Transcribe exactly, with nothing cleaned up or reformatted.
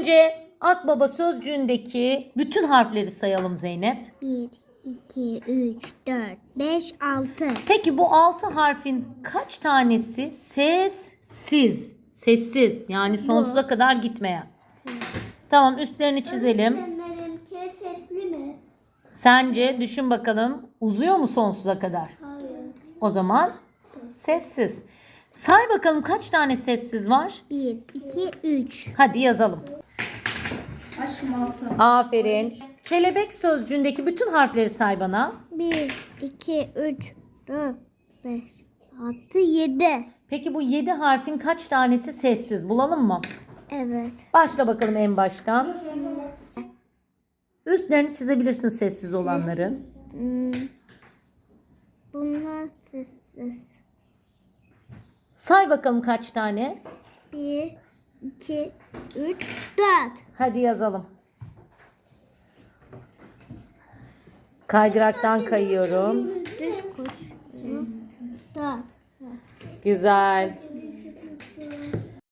Önce Akbaba sözcüğündeki bütün harfleri sayalım Zeynep. bir, iki, üç, dört, beş, altı. Peki bu altı harfin kaç tanesi sessiz? Sessiz yani sonsuza kadar gitmeyen. Tamam, üstlerini çizelim. Benimki sesli mi? Sence düşün bakalım, uzuyor mu sonsuza kadar? Hayır. O zaman sessiz. Say bakalım kaç tane sessiz var? bir, iki, üç. Hadi yazalım. Aşkım altı. Aferin. Kelebek sözcüğündeki bütün harfleri say bana. bir, iki, üç, dört, beş, altı, yedi. Peki bu yedi harfin kaç tanesi sessiz? Bulalım mı? Evet. Başla bakalım en baştan. Üstlerini çizebilirsin sessiz olanların. Hmm. Bunlar sessiz. Say bakalım kaç tane? bir, iki, üç, dört. Hadi yazalım. Kaydıraktan kayıyorum. Düz koş. dört. Güzel.